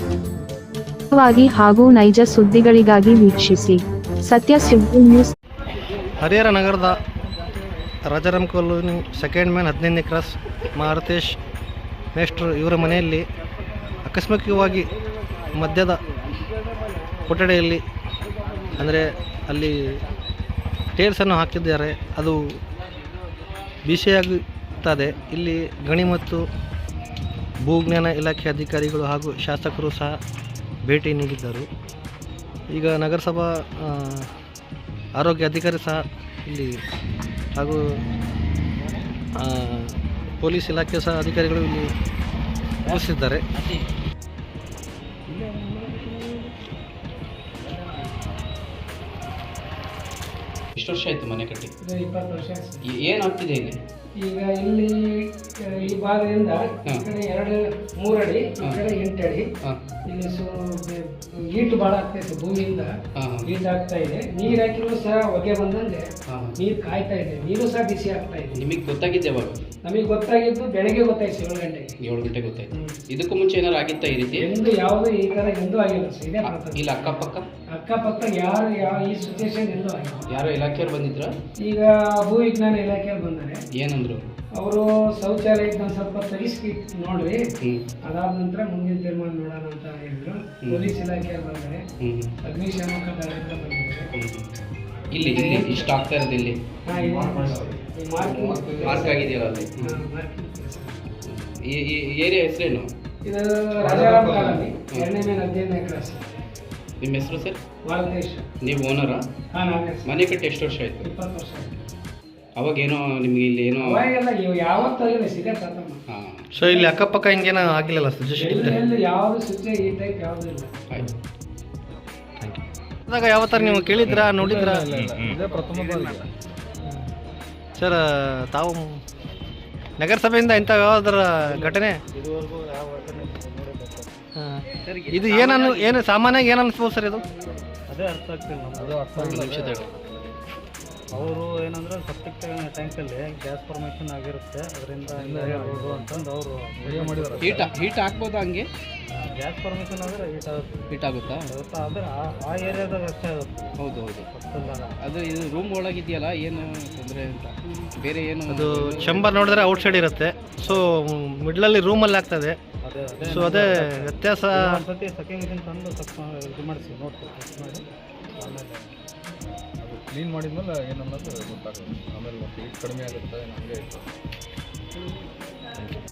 ಹಾಗೂ ನೈಜ ಸುದ್ದಿಗಳಿಗಾಗಿ ವೀಕ್ಷಿಸಿ ಸತ್ಯ ಸುದ್ದಿ ನ್ಯೂಸ್. ಹರಿಹರ ನಗರದ ರಾಜಾರಾಮ್ ಕಾಲೋನಿ ಸೆಕೆಂಡ್ ಮ್ಯಾನ್ 15ನೇ ಕ್ರಾಸ್ ಮಾರುತೇಶ್ ಮೇಷ್ಟ್ರು ಇವರ ಮನೆಯಲ್ಲಿ ಆಕಸ್ಮಿಕವಾಗಿ ಮಧ್ಯದ ಕೊಠಡಿಯಲ್ಲಿ ಅಂದರೆ ಅಲ್ಲಿ ಟೇಲ್ಸನ್ನು ಹಾಕಿದ್ದಾರೆ, ಅದು ಬಿಸಿಯಾಗುತ್ತದೆ. ಇಲ್ಲಿ ಗಣಿ ಮತ್ತು ಭೂಜ್ಞಾನ ಇಲಾಖೆ ಅಧಿಕಾರಿಗಳು ಹಾಗೂ ಶಾಸಕರು ಸಹ ಭೇಟಿ ನೀಡಿದ್ದರು. ಈಗ ನಗರಸಭಾ ಆರೋಗ್ಯ ಅಧಿಕಾರಿ ಸಹ ಇಲ್ಲಿ ಹಾಗೂ ಪೊಲೀಸ್ ಇಲಾಖೆ ಸಹ ಅಧಿಕಾರಿಗಳು ಇಲ್ಲಿ ಉಪಸ್ಥಿತಿದ್ದಾರೆ. ಎಷ್ಟು ವರ್ಷ ಆಯಿತು ಮನೆ ಕಟ್ಟಿ? 20 ವರ್ಷ. ಏನಾಗ್ತಿದೆ ಇಲ್ಲಿ? ಈಗ ಇಲ್ಲಿ ಈ ಭಾಗದಿಂದ ಈ ಕಡೆ 2-3 ಅಡಿ, ಈ ಕಡೆ 8 ಅಡಿ. ಇಲ್ಲಿ ಈಟು ಭಾಳ ಆಗ್ತಾ ಇದೆ, ಭೂಮಿಯಿಂದ ಈಟ್ ಆಗ್ತಾ ಇದೆ. ನೀರು ಹಾಕಿದ್ರು ಸಹ ಹೊಗೆ ಬಂದಂಗೆ ನೀರು ಕಾಯ್ತಾ ಇದೆ, ನೀರು ಸಹ ಬಿಸಿ ಆಗ್ತಾ ಇದೆ. ನಿಮಗೆ ಗೊತ್ತಾಗಿದೆ ಯಾವಾಗ? ನಮಗೆ ಗೊತ್ತಾಗಿದ್ದು ಬೆಳಗ್ಗೆ ಗೊತ್ತಾಯ್ತು, 7 ಗಂಟೆಗೆ. 7 ಗಂಟೆಗೆ ಗೊತ್ತಾಯ್ತು. ಇದಕ್ಕೂ ಮುಂಚೆ ಏನಾರು ಆಗಿತ್ತಾ ಈ ರೀತಿ? ಎಂದು ಯಾವುದು ಈ ಥರ ಎಂದೂ ಆಗಿಲ್ಲ ಸರ್. ಇದೇ ಇಲ್ಲ ಅಕ್ಕಪಕ್ಕ ಯಾರು ಈ ಸಿಚುವೇಶನ್ ಎಂದೂ ಆಗಿಲ್ಲ. ಯಾರೋ ಇಲಾಖೆಯವ್ರು ಬಂದಿದ್ರ? ಈಗ ಭೂ ವಿಜ್ಞಾನ ಇಲಾಖೆಯವ್ರು ಬಂದಾರೆ. ಏನಂದ್ರು ಅವರು? ಶೌಚಾಲಯದ ಸ್ವಲ್ಪ ತೆಗಿಸಿ ನೋಡ್ರಿ, ಅದಾದ ನಂತರ ಮುಂದಿನ ತೀರ್ಮಾನ ನೋಡೋಣ ಅಂತ ಹೇಳಿದ್ರು. ಪೊಲೀಸ್ ಇಲಾಖೆಯವ್ರು ಬಂದರೆ, ಅಗ್ನಿಶಾಮಕ ದಳದಿಂದ ಬಂದಿದ್ದಾರೆ. ಇಲ್ಲಿ ಇಷ್ಟ ಆಗ್ತಾ ಇರೋದು ಇಲ್ಲಿ ಮಾರ್ಕ್ ಆಗಿದೆಯಲ್ಲ ಅಲ್ಲಿ. ಈ ಏರಿಯಾ ಹೆಸರೇನು? ಇದು ರಾಜಾರಾಮ್ ಕಾಲೋನಿ 2ನೇ ಮೇನ್ 15ನೇ ಕ್ರಾಸ್. ನಿಮ್ಮ ಹೆಸರು ಸರ್? ಮಾರುತೇಶ್. ನೀವು ಓನರಾ? ಹಾಂ, ನಾನೇ. ಮನೆ ಕಟ್ಟಿ ಎಷ್ಟು ವರ್ಷ ಆಯಿತು? 20 ವರ್ಷ ಆಯಿತು. ಅವಾಗೇನೋ ನಿಮಗೆ ಇಲ್ಲಿ ಏನೋ ಅವಾಗೆಲ್ಲ ಯಾವತ್ತಾಗಿಲ್ಲ ಸಿಗೇ ಪ್ರಥಮ. ಹಾಂ. ಸೊ ಇಲ್ಲಿ ಅಕ್ಕಪಕ್ಕ ಹಿಂಗೇನೋ ಆಗಿಲ್ಲಲ್ಲ ಎಲ್ಲಿ ಯಾವುದು ಸ್ವಿಚ್ ಈ ಟೈಪ್ ಯಾವುದೂ ಇಲ್ಲ. ಆಯಿತು, ಥ್ಯಾಂಕ್ ಯು. ಅದಾಗ ಯಾವ ಥರ ನೀವು ಕೇಳಿದ್ರಾ, ನೋಡಿದ್ರಾ? ಸರ್, ತಾವು ನಗರಸಭೆಯಿಂದ ಇಂಥ ಯಾವ್ದಾರ ಘಟನೆ ಇದು ಏನು ಸಾಮಾನ್ಯವಾಗಿ ಏನು ಅನಿಸ್ಬೋದು ಸರ್ ಇದು? ಅದೇ ಅರ್ಥ ಆಗ್ತಿಲ್ಲ ನಮ್ಗೆ. ಅವರು ಏನಂದ್ರೆ ಸೆಪ್ಟಿಕ್ ಟ್ಯಾಂಕಲ್ಲಿ ಗ್ಯಾಸ್ ಫಾರ್ಮೇಷನ್ ಆಗಿರುತ್ತೆ, ಅದರಿಂದ ಇರ್ಬೋದು ಅಂತಂದು ಅವರು ವಿಡಿಯೋ ಮಾಡಿದ್ದಾರೆ. ಹೀಟ್ ಹಾಕ್ಬೋದಾ ಹಂಗೆ? ಗ್ಯಾಸ್ ಫಾರ್ಮೇಷನ್ ಆದರೆ ಹೀಟ್ ಆಗುತ್ತಾ? ಆದರೆ ಆ ಏರಿಯಾದಾಗ ಅಷ್ಟೇ ಆಗುತ್ತೆ. ಹೌದು. ಅದು ಇದು ರೂಮ್ ಒಳಗಿದೆಯಲ್ಲ, ಏನು ತೊಂದರೆ ಅಂತ ಬೇರೆ ಏನು? ಅದು ಚಂಬರ್ ನೋಡಿದ್ರೆ ಔಟ್ಸೈಡ್ ಇರುತ್ತೆ, ಸೊ ಮಿಡ್ಲಲ್ಲಿ ರೂಮಲ್ಲಿ ಆಗ್ತದೆ. ಸೊ ಅದೇ ವ್ಯತ್ಯಾಸ. ಸತಿ ಸೆಕೆಂಡ್ ಮಿಷನ್ ತಂದು ಇದು ಮಾಡಿಸಿ ನೋಡ್ತೀವಿ, ಮಾಡಿ ಆಮೇಲೆ ಅದು ಕ್ಲೀನ್ ಮಾಡಿದ್ಮೇಲೆ ಏನನ್ನೋದು ಗೊತ್ತಾಗುತ್ತೆ. ಆಮೇಲೆ ಮತ್ತೆ ಹೀಟ್ ಕಡಿಮೆ ಆಗುತ್ತೆ, ನಮಗೆ